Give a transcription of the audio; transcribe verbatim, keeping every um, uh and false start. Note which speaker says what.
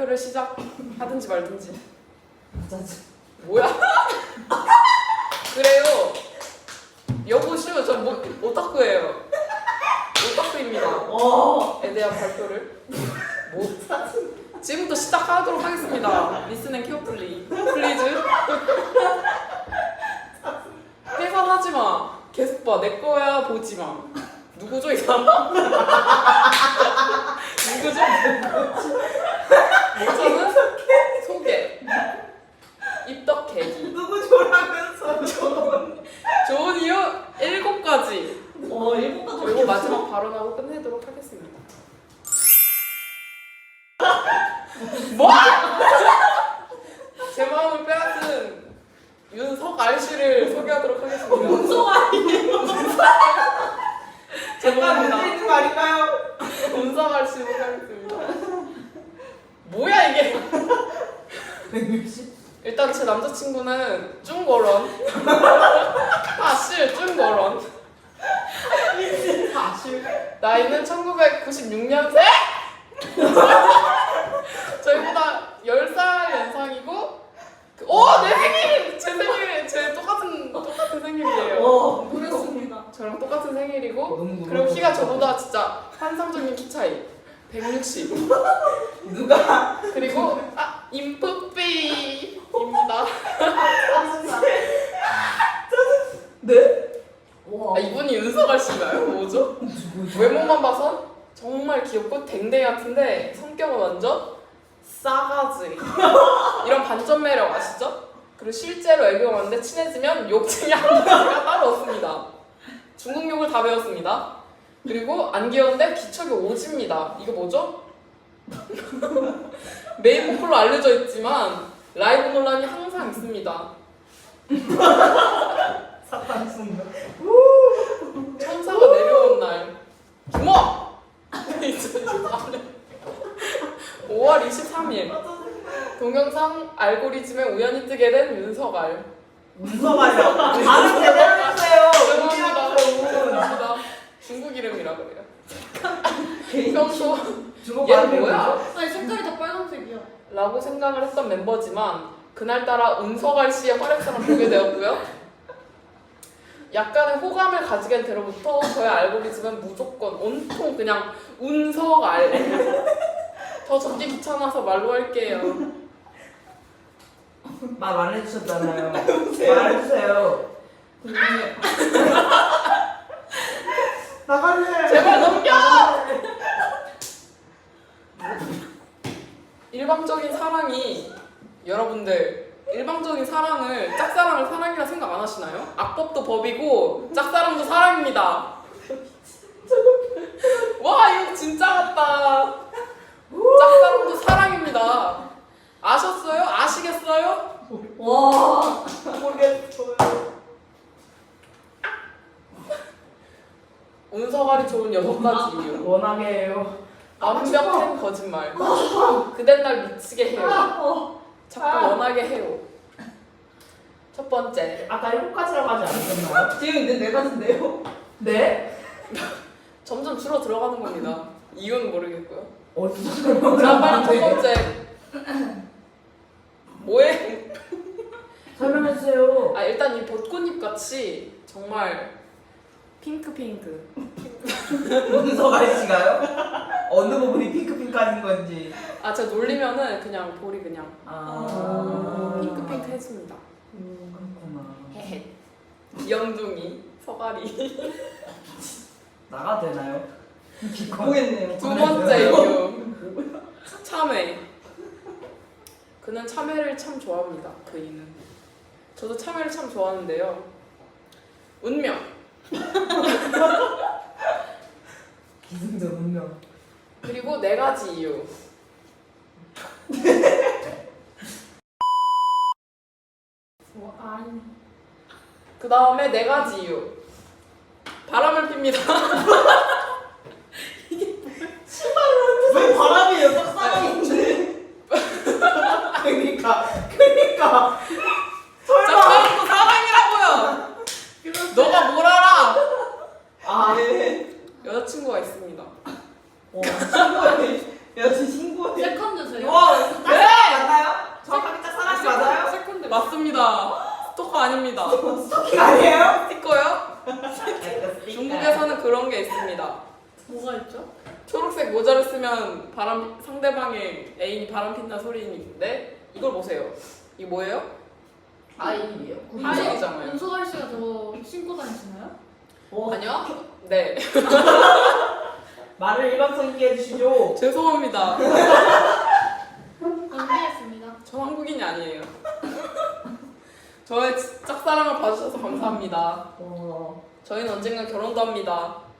Speaker 1: 발표를 시작하든지 말든지.
Speaker 2: 짜증.
Speaker 1: 뭐야? 그래요. 여보시오, 저 뭐, 오타쿠예요. 오타쿠입니다.
Speaker 2: 어.
Speaker 1: 에 대한 발표를 뭐 지금부터 시작하도록 하겠습니다. 리슨 앤 케어풀리 플리즈. 해산하지 마. 계속 봐. 내 거야. 보지 마. 누구죠 이 사람? 누구죠? 저는 소개. 입덕 계기.
Speaker 2: 누구 조라면서 좋은.
Speaker 1: 좋은 이유 일곱 가지.
Speaker 2: 어 일곱 가지.
Speaker 1: 그리고 마지막 발언하고 끝내도록 하겠습니다. 뭐? 제 마음을 빼앗은 윤석알 씨를 소개하도록 하겠습니다.
Speaker 2: 운송아니에요.
Speaker 1: 죄송합니다.
Speaker 2: 문제 있는 거 아닐까요?
Speaker 1: 윤석알 씨 소개하겠습니다. 뭐야 이게?
Speaker 2: 백육십.
Speaker 1: 일단 제 남자친구는 쭝거런. 사실 쭝거런.
Speaker 2: 사실.
Speaker 1: 나이는 천구백구십육 년생? 저희보다 열 살 연상이고 그, 오! 내 생일! 제 생일! 제 똑같은 똑같은 생일이에요.
Speaker 2: 어 모르겠습니다.
Speaker 1: 저랑 똑같은 생일이고
Speaker 2: 너무
Speaker 1: 그리고 키가 저보다 진짜 환상적인 키 차이 백육십.
Speaker 2: 누가?
Speaker 1: 그리고 아! 인프피입니다.
Speaker 2: 네? 와.
Speaker 1: 아, 이분이 윤석알 씨인가요? 뭐죠? 외모만 봐선 정말 귀엽고 댕댕이 같은데 성격은 완전 싸가지. 이런 반전 매력 아시죠? 그리고 실제로 애교가 많은데 친해지면 욕쟁이 한 가지가 따로 없습니다. 중국 욕을 다 배웠습니다. 그리고 안 귀여운데 기척이 오집니다. 이거 뭐죠? 메인 보컬로 알려져 있지만 라이브 논란이 항상 있습니다.
Speaker 2: 사탕 순간.
Speaker 1: 천사가 내려온 날 주먹! 오월 이십삼일 동영상 알고리즘에 우연히 뜨게 된 윤석알.
Speaker 2: 운송아요. 발음 제대로 해주세요.
Speaker 1: 죄송합니다.
Speaker 2: 운이라고.
Speaker 1: 죄송합니다. 중국 이름이라 그래요. 평소
Speaker 2: 주먹
Speaker 1: 얘
Speaker 2: 발음이
Speaker 1: 뭐야?
Speaker 2: 뭐죠?
Speaker 3: 아니 색깔이 다 빨간색이야.
Speaker 1: 라고 생각을 했던 멤버지만 그날따라 운석알 씨의 활약상을 보게 되었고요. 약간의 호감을 가지게 된 때로부터 저의 알고리즘은 무조건 온통 그냥 운석알. 더 적기 귀찮아서 말로 할게요.
Speaker 2: 말 안 해주셨잖아요. 말해주세요. 나갈래.
Speaker 1: 제발 넘겨! 일방적인 사랑이 여러분들 일방적인 사랑을 짝사랑을 사랑이라 생각 안 하시나요? 악법도 법이고 짝사랑도 사랑입니다. 와 이거 진짜 같다. 짝사랑도 사랑입니다. 아셨어요? 아시겠어요?
Speaker 2: 와. 모르겠어요.
Speaker 1: 운석알이 좋은 여섯 가지 이유.
Speaker 2: 워낙에 해요.
Speaker 1: 완벽한 거짓말. 그댄 날 미치게 해요.
Speaker 2: 어.
Speaker 1: 자꾸 원하게 해요. 첫 번째,
Speaker 2: 아까 일곱 가지라고 하지 않으셨나요? 지금 이제 네 가지인데요. 네?
Speaker 1: 점점 줄어 들어가는 겁니다. 이유는 모르겠고요.
Speaker 2: 어디서
Speaker 1: 자, 빨리 첫 번째. 뭐해?
Speaker 2: 설명해주세요.
Speaker 1: 아, 일단 이 벚꽃잎 같이 정말 핑크 핑크.
Speaker 2: 문서가 씨가요? 어느 부분이 핑크핑크한 건지.
Speaker 1: 아, 제가 놀리면은 그냥 볼이 그냥
Speaker 2: 아.
Speaker 1: 핑크 핑크 해줍니다.
Speaker 2: 음, 그렇구나.
Speaker 1: 헤헤. 영둥이, 서가리.
Speaker 2: 나가 되나요? 모르겠네요.
Speaker 1: 두 번째 이유. 참외. 그는 참외를 참 좋아합니다. 그이는. 저도 참외를 참 좋아하는데요. 운명.
Speaker 2: 기승전 운명.
Speaker 1: 그리고 네 가지 이유.
Speaker 3: 뭐 아니.
Speaker 1: 그 다음에 네 가지 이유. 바람을 핍니다.
Speaker 2: 왜 바람이에요? 짝사랑인데. 그니까, 그니까. 설마.
Speaker 1: 짝사랑도 사랑이라고요. 너가 뭘 알아?
Speaker 2: 아, 예.
Speaker 1: 여자친구가 있습니다.
Speaker 2: 와, 친구의 여친 신고해.
Speaker 3: 세컨드 제가.
Speaker 2: 와, 짝사랑 맞나요? 정확하게 짝사랑이 맞아요?
Speaker 3: 세컨드.
Speaker 1: 맞습니다. 스토커 아닙니다.
Speaker 2: 스토킹 아니에요?
Speaker 1: 스티커요? 중국에서는 그런 게 있습니다.
Speaker 3: 뭐가 있죠?
Speaker 1: 초록색 모자를 쓰면 바람 상대방의 애인이 바람 핀다 소리인데 이걸 보세요. 이게 뭐예요?
Speaker 2: 아이예요.
Speaker 1: 아이잖아요.
Speaker 3: 윤소갈 씨가 저거 신고 다니시나요?
Speaker 2: 어,
Speaker 1: 아니요? 네.
Speaker 2: 말을 일관성 있게 해주시죠.
Speaker 1: 죄송합니다.
Speaker 3: 정리했습니다.
Speaker 1: 저 한국인이 아니에요. 저의 짝사랑을 봐주셔서 감사합니다.
Speaker 2: 어.
Speaker 1: 저희는 언젠가 결혼도 합니다.